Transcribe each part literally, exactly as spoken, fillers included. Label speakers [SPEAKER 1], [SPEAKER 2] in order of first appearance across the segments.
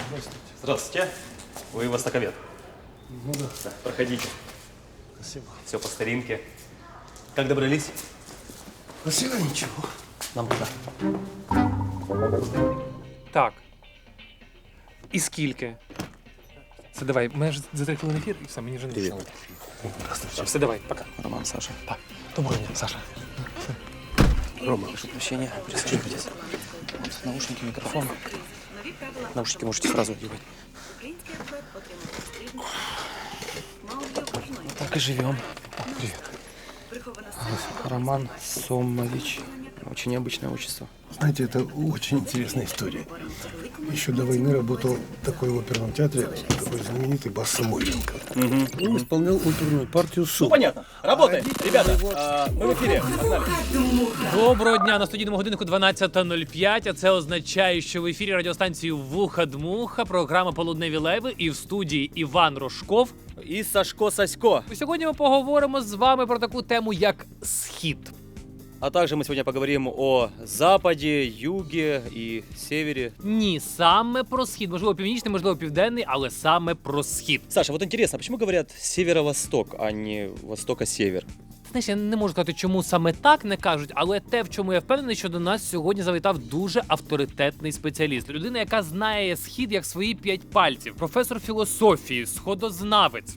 [SPEAKER 1] Здравствуйте.
[SPEAKER 2] Здравствуйте. Вы востоковед?
[SPEAKER 1] Ну да.
[SPEAKER 2] Да, проходите.
[SPEAKER 1] Спасибо.
[SPEAKER 2] Все по старинке. Как добрались?
[SPEAKER 1] Спасибо, ничего.
[SPEAKER 2] Нам туда.
[SPEAKER 3] Так. І скільки? Це давай, мене ж за три хвилини ефір, і все, мені вже не
[SPEAKER 2] Привіт.
[SPEAKER 3] писали. Здравствуйте. Все, давай, пока.
[SPEAKER 2] Роман, Саша.
[SPEAKER 3] Так, доброго дня, Саша.
[SPEAKER 2] Рома, прошу прощения, присаживайтесь. Вот, наушники, микрофон. Наушники можете сразу одевать. Вот так и живем.
[SPEAKER 3] Привіт.
[SPEAKER 2] Роман Сомович. Очень необычное отчество.
[SPEAKER 1] Знаете, это очень интересная история. Еще до войны работал в такой оперном театре, такой знаменитый Бас Самойленко. Угу. Он исполнял оперную партию «Су».
[SPEAKER 2] Ну, понятно. Работаем. Ребята, а, мы в эфире. Погнали.
[SPEAKER 3] Доброго дня, на студійному годиннику дванадцята нуль п'ять, а це означає, що в ефірі радіостанції «Вуха-дмуха», програма «Полудневі леви» і в студії Іван Рожков.
[SPEAKER 2] І Сашко Сасько.
[SPEAKER 3] Сьогодні ми поговоримо з вами про таку тему, як «Схід».
[SPEAKER 2] А также мы сегодня поговорим о западе, юге и севере.
[SPEAKER 3] Ні, саме про схід. Можливо, північний, можливо, південний, але саме про схід.
[SPEAKER 2] Саша, вот интересно, почему говорят северо-восток, а не востока-север?
[SPEAKER 3] Знаєш, я не можу сказати, чому саме так не кажуть, але те, в чому я впевнений, що до нас сьогодні завітав дуже авторитетний спеціаліст. Людина, яка знає схід як свої п'ять пальців. Професор філософії, сходознавець.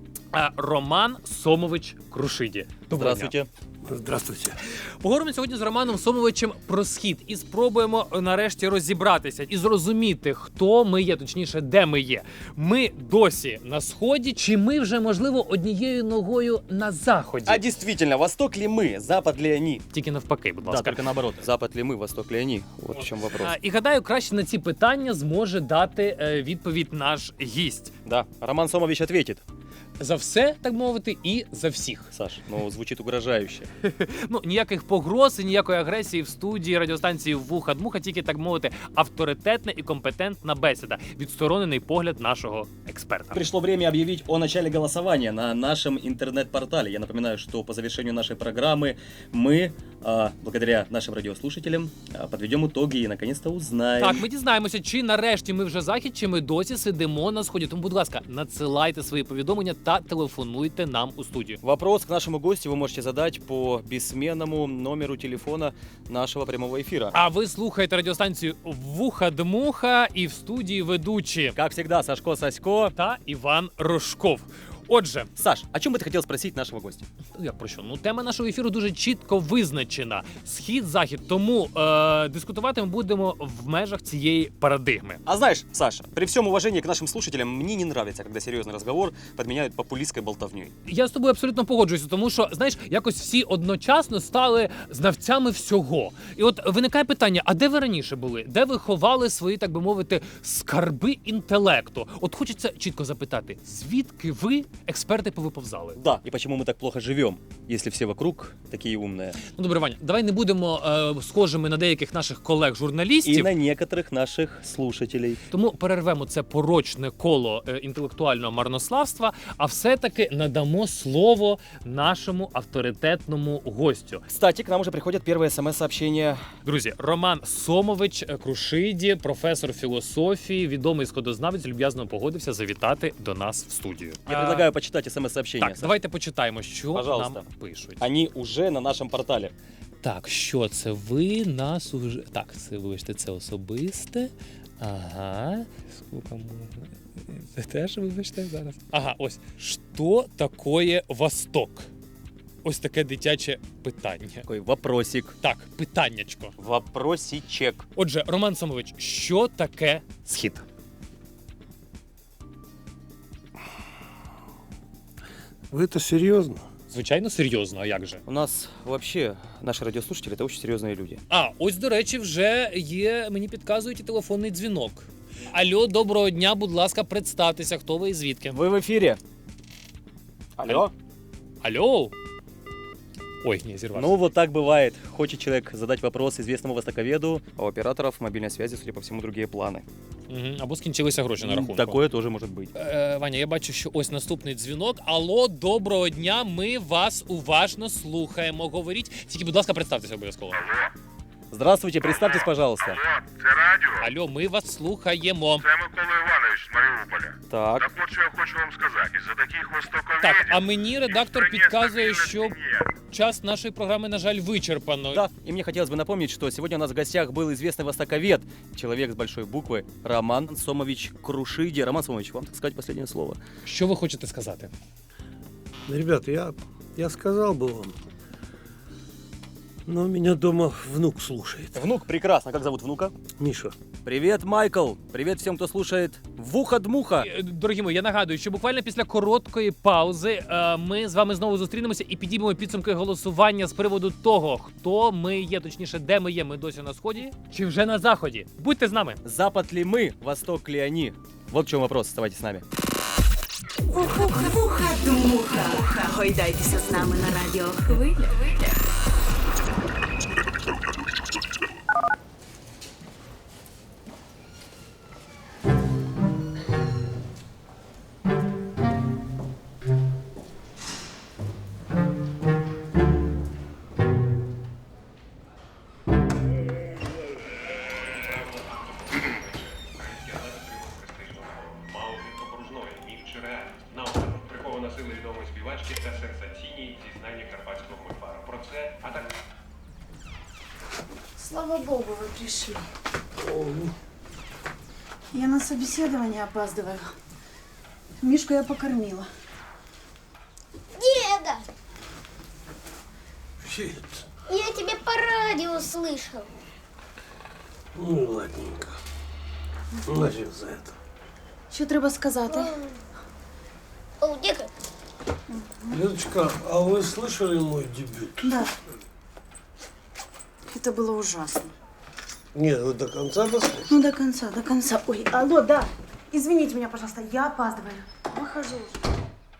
[SPEAKER 3] А, Роман Сомович Крушиді. Доброго дня.
[SPEAKER 2] Здравствуйте.
[SPEAKER 1] Здравствуйте.
[SPEAKER 3] Поговоримо сьогодні з Романом Сомовичем про схід і спробуємо нарешті розібратися і зрозуміти, хто ми є, точніше, де ми є. Ми досі на сході, чи ми вже, можливо, однією ногою на заході?
[SPEAKER 2] А действительно, восток ли мы, запад ли они?
[SPEAKER 3] Тільки навпаки, будь ласка.
[SPEAKER 2] наоборот. Запад ли мы, восток ли они? Вот в чем вопрос.
[SPEAKER 3] А, і гадаю, краще на ці питання зможе дати е, відповідь наш гість.
[SPEAKER 2] Да, Роман Сомович ответит.
[SPEAKER 3] За все, так мовити, і за всіх.
[SPEAKER 2] Саш, ну звучит угрожающе.
[SPEAKER 3] Ну, ніяких погроз і ніякої агресії в студії радіостанції «Вуха-дмуха», тільки, так мовити, авторитетна і компетентна бесіда, відсторонений погляд нашого експерта.
[SPEAKER 2] Пришло время объявить о начале голосования на нашем интернет-портале. Я напоминаю, что по завершению нашей программы мы, а, благодаря нашим радиослушателям, а, подведем итоги и наконец-то узнаем.
[SPEAKER 3] Так, ми дізнаємося, чи нарешті ми вже захід, чи ми досі сидимо на сході. Тому, будь ласка, надсилайте свої повідомлення та телефонуйте нам у студію.
[SPEAKER 2] Вопрос к нашему гостю вы можете задать по бессменному номеру телефона нашего прямого эфира.
[SPEAKER 3] А ви слухаєте радіостанцію «Вуха-дмуха» і в студії ведучі
[SPEAKER 2] Как всегда, Сашко Сасько.
[SPEAKER 3] та Іван Рожков. Отже,
[SPEAKER 2] Саш, о чем бы ты хотел спросить нашего гостя?
[SPEAKER 3] як про що? Ну, тема нашого ефіру дуже чітко визначена. Схід-захід. Тому е- дискутувати ми будемо в межах цієї парадигми.
[SPEAKER 2] А знаешь, Саша, при всем уважении к нашим слушателям, мне не нравится, когда серьезный разговор подменяют популистской болтовней.
[SPEAKER 3] Я з тобою абсолютно погоджуюся, тому що, знаєш, якось всі одночасно стали знавцями всього. І от виникає питання, а де ви раніше були? Де ви ховали свої, так би мовити, скарби інтелекту? От хочеться чітко запитати, звідки ви, експерти, повиповзали?
[SPEAKER 2] Да, и почему мы так плохо живем, если все вокруг такие умные.
[SPEAKER 3] Ну, добре, Ваня, давай не будемо е, схожими на деяких наших
[SPEAKER 2] И
[SPEAKER 3] колег-журналістів,
[SPEAKER 2] на некоторых наших слушателей.
[SPEAKER 3] тому перервемо це порочне коло е, інтелектуального марнославства, а все-таки надамо слово нашому авторитетному гостю.
[SPEAKER 2] Кстати, к нам уже приходят первые смс-сообщения.
[SPEAKER 3] Друзі, Роман Сомович Крушиді, професор філософії, відомий сходознавець, люб'язно погодився завітати до нас в студію.
[SPEAKER 2] Я
[SPEAKER 3] А,
[SPEAKER 2] предлагаю почитать смс-сообщения.
[SPEAKER 3] Так,
[SPEAKER 2] Саш.
[SPEAKER 3] давайте почитаємо, що
[SPEAKER 2] Пожалуйста.
[SPEAKER 3] нам пишуть.
[SPEAKER 2] Они уже на нашем портале.
[SPEAKER 3] Так, що це ви нас уже. Так, це вибачте, це особисте. Ага. Скільки можна? Це теж вибачте зараз. Ага, ось. Що таке Восток? Ось таке дитяче питання.
[SPEAKER 2] Такой вопросик.
[SPEAKER 3] Так, питаннячко.
[SPEAKER 2] Вопросичек.
[SPEAKER 3] Отже, Роман Сомович, що таке схід?
[SPEAKER 1] Вы это серьезно?
[SPEAKER 3] Звичайно, серйозно, а як же?
[SPEAKER 2] У нас вообще наши радиослушатели это очень серьезные люди.
[SPEAKER 3] А, ось, до речі, вже є, мені підказують, і телефонний дзвінок. Алло, доброго дня, будь ласка, представтеся, хто ви і звідки?
[SPEAKER 2] Вы в эфире. Алло?
[SPEAKER 3] Алло? Ой, не, зірвався.
[SPEAKER 2] Ну, вот так бывает. Хочет человек задать вопрос известному востоковеду, а у операторов мобильной связи, судя по всему, другие планы.
[SPEAKER 3] Угу. Або скінчилися гроші на рахунку.
[SPEAKER 2] Такое тоже может быть.
[SPEAKER 3] Е, Ваня, я бачу, що ось наступний дзвінок. Алло, доброго дня, ми вас уважно слухаємо. Говоріть, тільки, будь ласка, представтеся обов'язково.
[SPEAKER 2] Здравствуйте, представьтесь, пожалуйста.
[SPEAKER 4] Алло, це радіо.
[SPEAKER 3] Алло, ми вас слухаємо.
[SPEAKER 4] Це Микола
[SPEAKER 2] Так.
[SPEAKER 4] Так от що я хочу вам сказати, із-за таких востоковедів...
[SPEAKER 3] Так, а мені редактор
[SPEAKER 4] ніхто не
[SPEAKER 3] підказує,
[SPEAKER 4] стабільна
[SPEAKER 3] що
[SPEAKER 4] сім'я.
[SPEAKER 3] час нашої програми, на жаль, вичерпано.
[SPEAKER 2] Да, и мне хотелось бы напомнить, что сегодня у нас в гостях был известный востоковед, человек с большой буквы, Роман Сомович Крушиди. Роман Сомович, вам, так сказать, последнее слово.
[SPEAKER 3] Що ви хочете сказати?
[SPEAKER 1] Да, ребята, я, я сказал бы вам, но меня дома внук слушает.
[SPEAKER 2] Внук, прекрасно. Как зовут внука?
[SPEAKER 1] Миша.
[SPEAKER 2] Привет, Майкл. Привет всем, кто слушает Вуха-дмуха.
[SPEAKER 3] Е, Дорогі мої, я нагадую, що буквально після короткої паузи е, ми з вами знову зустрінемося і підіймемо підсумки голосування з приводу того, хто ми є, точніше, де ми є. Ми досі на сході чи вже на заході. Будьте з нами.
[SPEAKER 2] Запад ли мы, Восток ли они? Вот в чем вопрос. Оставайтесь с нами.
[SPEAKER 5] Вуха-дмуха. Гойдайтеся з нами на радіохвилях.
[SPEAKER 4] Мало від окружної, міф чи реальність. Наостанок прихована сила відомої співачки та сенсаційні зізнання карпатського мульфара. Про це, а так
[SPEAKER 6] Слава богу, вы пришли. Я на собеседование опаздываю. Мишку я покормила.
[SPEAKER 7] Деда,
[SPEAKER 1] Фит.
[SPEAKER 7] я тебя по радио слышал.
[SPEAKER 1] Ну, ладненько. Нафиг за это.
[SPEAKER 6] Що треба сказати?
[SPEAKER 7] О, деда,
[SPEAKER 1] Людочка, а вы слышали мой дебют?
[SPEAKER 6] Да. Это было ужасно.
[SPEAKER 1] Нет, вы до конца дослушали?
[SPEAKER 6] Ну, до конца, до конца. Ой, алло, да. Извините меня, пожалуйста, я опаздываю. Выхожу уже.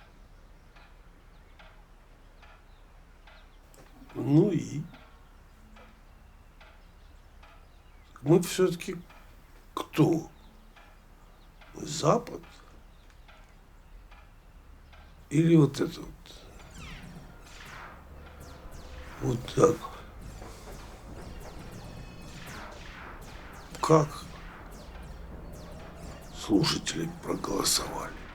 [SPEAKER 1] Ну и? Мы все-таки кто? Мы Запад? Или вот это вот? Вот так. Как слушатели проголосовали?